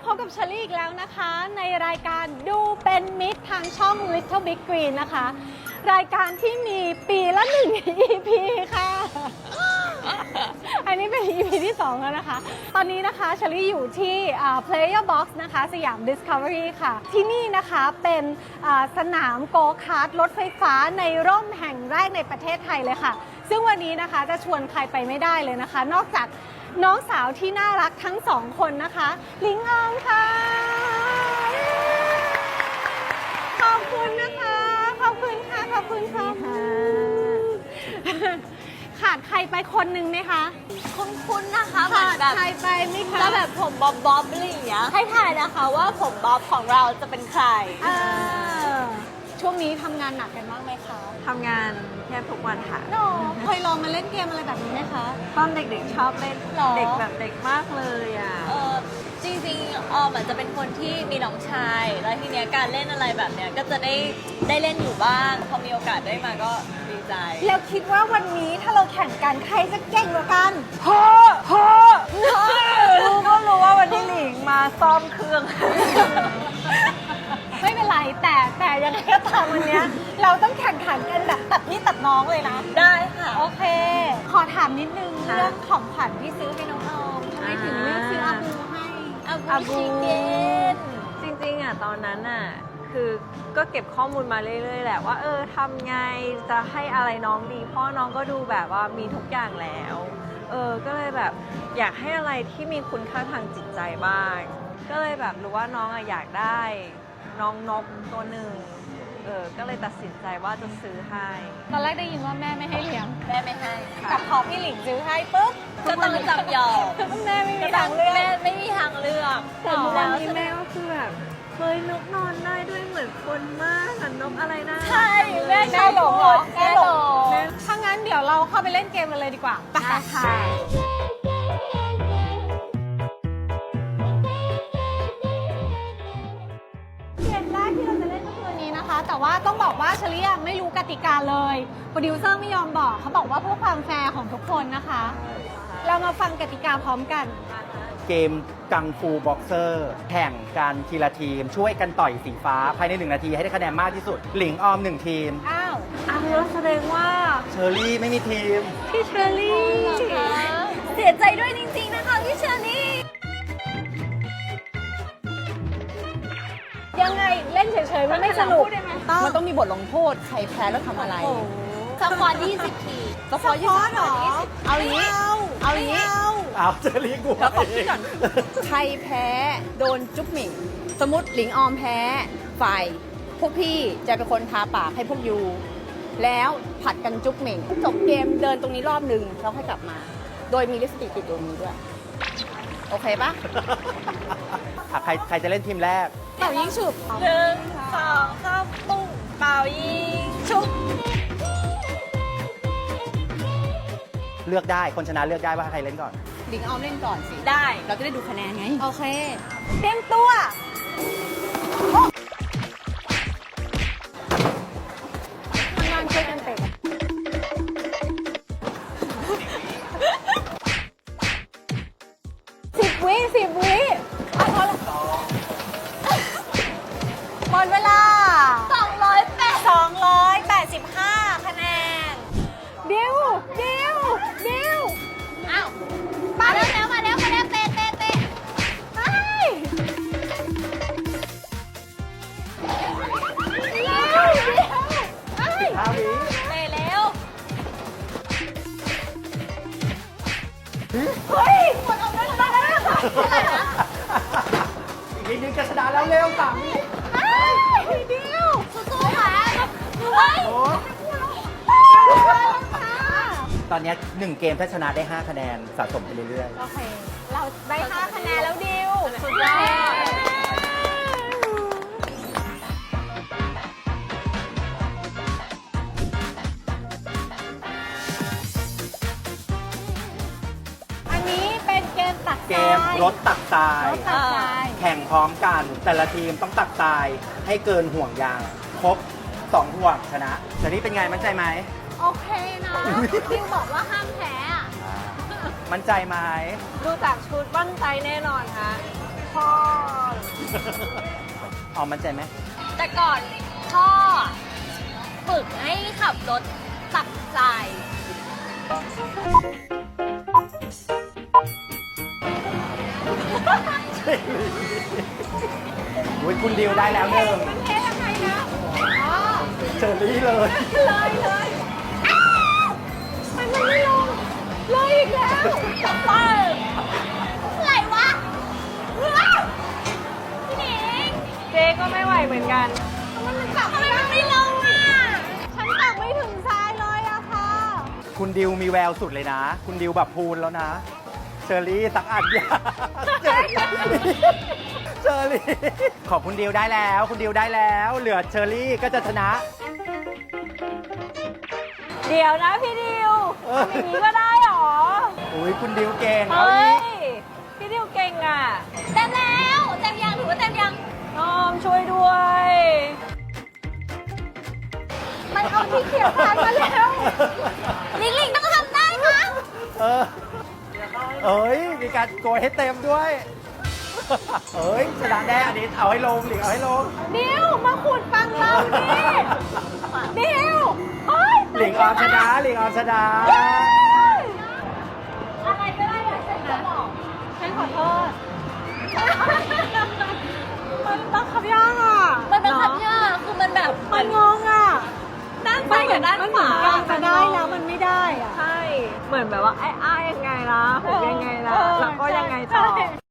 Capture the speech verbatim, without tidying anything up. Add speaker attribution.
Speaker 1: พบกับเชอรี่อีกแล้วนะคะในรายการดูเป็นมิตรทางช่อง Little Big Green นะคะรายการที่มีปีละหนึ่ง อี พี ค่ะ อันนี้เป็น อี พี ที่สองแล้วนะคะตอนนี้นะคะเชอรี่อยู่ที่ Player Box นะคะสยาม Discovery ค่ะที่นี่นะคะเป็นสนามโกคาร์ทรถไฟฟ้าในร่มแห่งแรกในประเทศไทยเลยค่ะซึ่งวันนี้นะคะจะชวนใครไปไม่ได้เลยนะคะนอกจากน้องสาวที่น่ารักทั้งสองคนนะคะหลิงออมค่ะขอบคุณนะคะขอบคุณค่ะขอบคุณค่ะขาดใครไปคนหนึ่งไหมคะ
Speaker 2: คุ้นๆนะคะเหมือ
Speaker 1: ขาน ด
Speaker 2: แบบ
Speaker 1: ใครไปไหมคะ
Speaker 2: แล้วแบบผมบ๊อบบ๊อบอะไรอย่างเงี้ยให้ถ่ายนะคะว่าผมบ๊อบของเราจะเป็นใคร
Speaker 1: เออช่วงนี้ทำงานหนักกันบ้างไหมคะ
Speaker 3: ทำงานแทบทุกวันค่ะ
Speaker 1: โนเคยลองมาเล่นเกมอะไรแบบนี้ไหมคะ
Speaker 3: ตอนเด็กๆชอบเล่น
Speaker 1: หรอ
Speaker 3: เด็กแบบเด็กมากเลยอ่ะ
Speaker 2: เออจริงๆออมอาจจะเป็นคนที่มีน้องชาย แล้วทีเนี้ยการเล่นอะไรแบบเนี้ยก็จะได้ได้เล่นอยู่บ้างพอมีโอกาสได้มาก็ดีใจ
Speaker 1: แล้วคิดว่าวันนี้ถ้าเราแข่งกันใครจะเก่งกว่ากัน
Speaker 3: พอพอรู้ก็รู้ว่าวันนี้หลิงมาซ่อมเครื่อง
Speaker 1: ไม่เป็นไรแต่แต่ยังไงก็ตามวันเนี้ยเราต้องแข่งขันกันแบบตัดนี่ตัดน้องเลยนะ
Speaker 2: ได้ค่ะ
Speaker 1: โอเค ขอถามนิดนึง
Speaker 3: ค่ะ
Speaker 1: เรื่องของขวัญที่ซื้อให้น้องออมทำไมถึงเลือกซื้ออาบูให้
Speaker 2: อาบู
Speaker 3: อาบู
Speaker 2: ชิเกน
Speaker 3: จริงๆอ่ะตอนนั้นอ่ะคือก็เก็บข้อมูลมาเรื่อยๆแหละว่าเออทำไงจะให้อะไรน้องดีเพราะน้องก็ดูแบบว่ามีทุกอย่างแล้วเออก็เลยแบบอยากให้อะไรที่มีคุณค่าทางจิตใจบ้างก็เลยแบบรู้ว่าน้องอ่ะอยากได้น้องนกตัวหนึ่งเออก็เลยตัดสินใจว่าจะซื้อให้
Speaker 1: ตอนแรกได้ยินว่าแม่ไม่ให้เลี้ยง
Speaker 2: แม่ไม่ให้
Speaker 1: แต่พอพี่หลิงซื้อให้ปุ๊บ
Speaker 2: จะต้องจำยอม
Speaker 1: แม่ไม่มีทางเลือก
Speaker 2: แม่ไม่มีทางเลือก
Speaker 3: แต่ทุกวันนี้
Speaker 2: ล้ว
Speaker 3: แม่ก็คือแบบเฮ้ยนกนอนได้ด้วยเหมือนคนมากอะนกอะไรนะ
Speaker 2: ใช่แม่
Speaker 1: แม่หลงเหรอ
Speaker 2: แม่หลง
Speaker 1: ถ้างั้นเดี๋ยวเราเข้าไปเล่นเกมกันเลยดีกว่าไป
Speaker 3: ได้ค่ะ
Speaker 1: เกมแรกที่เราจะเล่นก็คือวันนี้นะคะ แต่ว่าต้องบอกว่าเชลียไม่รู้กติกาเลยโปรดิวเซอร์ไม่ยอมบอกเขาบอกว่าเพื่อความแฟร์ของทุกคนนะคะ เรามาฟังกติกาพร้อมกัน
Speaker 4: เกมกังฟูบ็อกเซอร์แข่งกันทีละทีม ช่วยกันต่อยสีฟ้า ภายในหนึ่งนาทีให้ได้คะแนนมากที่สุด หลิงออมหนึ่งทีม
Speaker 1: อ้าว
Speaker 3: อ้าวแล้วแสดงว่า
Speaker 4: เชอรี่ไม่มีทีม
Speaker 3: พี่เชอรี่
Speaker 2: เสียใจด้วยจริงๆนะคะพี่เชอรี่
Speaker 1: ยังไงเล่นเฉยๆมันไม่สนุก
Speaker 5: มันต้องมีบทลงโทษ ใครแพ้แล้วทำอะไร
Speaker 2: สปอร์ยี่สิบที
Speaker 5: สปอยยี่สิบ
Speaker 1: หรอ
Speaker 5: เอาอย่างนี้ เอาอย่างนี้
Speaker 4: เอาเชอรี่กลัว
Speaker 5: แล้วขอคิดก่อน ใครแพ้โดนจุ๊บหมิ่ง สมมติหลิงออมแพ้ฝ่ายพวกพี่จะเป็นคนทาปากให้พวกยู แล้วผัดกันจุ๊บหมิ่งจบเกมเดินตรงนี้รอบหนึ่งแล้วค่อยกลับมา โดยมีลิปสติกติดตัวนี้ด้วย โอเคปะ
Speaker 4: อ่ะใครใครจะเล่นทีมแรก
Speaker 1: เป่ายิงฉุบ
Speaker 2: หนึ่งสองสามปุ้งเป่ายิงชุบ
Speaker 4: เลือกได้คนชนะเลือกได้ว่าใครเล่นก่อน
Speaker 5: หลิงออมเล่นก่อนสิ
Speaker 2: ได้
Speaker 5: เราจะได้ดูคะแนนไง
Speaker 1: โอเค เตรียมตัวทำงานช่วยกันเตะสิบวิสิบวิเอาพอละหมดเวลา
Speaker 2: สองร้อยแปด
Speaker 1: สองร้อยแปดสิบห้าคะแนนดิวดิวดิว
Speaker 2: อ้าวมาแล้วแล้วมาแล้วมาแล้วเตะเตะเตะ
Speaker 1: ไปเร็วเร็วไป
Speaker 4: ห้าวิ
Speaker 2: เตะแล้ว
Speaker 1: เฮ้ยหมดออกมาแล้วนะ
Speaker 4: อีกนิดนึงจะชนะแล้วเร็วสามวิ
Speaker 1: เฮ้ยดิว
Speaker 2: สู้ๆค่ะเฮ้ย
Speaker 4: โอ้
Speaker 1: ค่ะ
Speaker 4: ตอนนี้หนึ่งเกมถ้าชนะได้ห้าคะแนนสะสมไปเรื่อย
Speaker 1: โอเค เราได้ห้าคะแนนแล้วดิว
Speaker 2: สุดยอด
Speaker 1: อันนี้เป็นเกมตัก
Speaker 4: ๆ เก
Speaker 1: ทราม ย
Speaker 4: รถตักทราย
Speaker 1: รถตักทราย
Speaker 4: แข่งพร้อมกัน แต่ละทีมต้องตักทรายให้เกินห่วงยาง ครบสองห่วงชนะแต่นี่เป็นไงมั่นใจไหม
Speaker 1: โอเคนะดิวบอกว่าห้ามแพ้อะ
Speaker 4: มั่นใจไหม
Speaker 3: ดูจากชุดมั่นใจแน่นอนค่ะ
Speaker 1: พอ
Speaker 4: ออมมั่นใจไหม
Speaker 2: แต่ก่อนพ่อฝึกให้ขับรถตักทราย
Speaker 4: อุ้ยคุณดิวได้แล้วหนึ่ง
Speaker 1: มันเทยังไงนะอ๋อ
Speaker 4: เชอรี่เลย
Speaker 1: เลยเลยอ้าวมันมันไม่ลงเลยอีกแล้ว
Speaker 2: เอออะไรวะว้าวพี่หนิง
Speaker 3: เจ๊ก็ไม่ไหวเหมือนกัน
Speaker 1: มันมันจับ
Speaker 2: ทำไมมันไม่ลงอ่ะ
Speaker 1: ฉันตักไม่ถึงทรายเลยอะค่ะ
Speaker 4: คุณดิวมีแววสุดเลยนะ คุณดิวแบบพูนแล้วนะ เชอรี่สักอันยาเชอรี่เชอรี่ขอบคุณดิวได้แล้ว คุณดิวได้แล้ว เหลือเชอรี่ก็จะชนะ
Speaker 3: เดี๋ยวนะพี่ดิว
Speaker 4: เออ
Speaker 3: ทำอย่างนี้ก็ได้เหรอ
Speaker 4: อุ้ยคุณดิวเก่งเอา
Speaker 3: เฮ้
Speaker 4: อี
Speaker 3: ย
Speaker 4: ก
Speaker 3: พี่ดิวเก่งอ่ะ
Speaker 2: เต็มแล้วเต็มยังถือว่าเต็มยัง
Speaker 3: น้อมช่วยด้วย
Speaker 1: มันเอาที่เขียวทรายมาแล้ว
Speaker 2: ลิงลิงต้องทำได้นะ
Speaker 4: เออเอ้ย มีการโกยให้เต็มด้วย เอ้ยชนะแน่อันนี้เอาให้ลงหลิงเอาให้ลง
Speaker 1: ดิวมาขุดฟังเราดิดิวเฮ้ย
Speaker 4: หลิงออมชนะหลิงออมชนะ
Speaker 2: อะไรก็ได้อะฉันจะบอก
Speaker 1: ฉันขอโทษ มันบังคับยากอ่ะ
Speaker 2: มันเป็นคับยากคือมันแบบ
Speaker 1: มันงงอ่ะ
Speaker 2: ด้านซ้ายกับด้าน
Speaker 1: มัน
Speaker 2: ข
Speaker 1: เหมือ
Speaker 2: วาน
Speaker 1: กันจะได้แล้วมันไม่ได้อ่ะ
Speaker 3: ใช่ เหมือนแบบว่าไอ้อ้ายยังไงล่ะผมยังไงล่ะ
Speaker 1: เออ
Speaker 3: แล้วก็ยังไงต่อ
Speaker 1: ใช่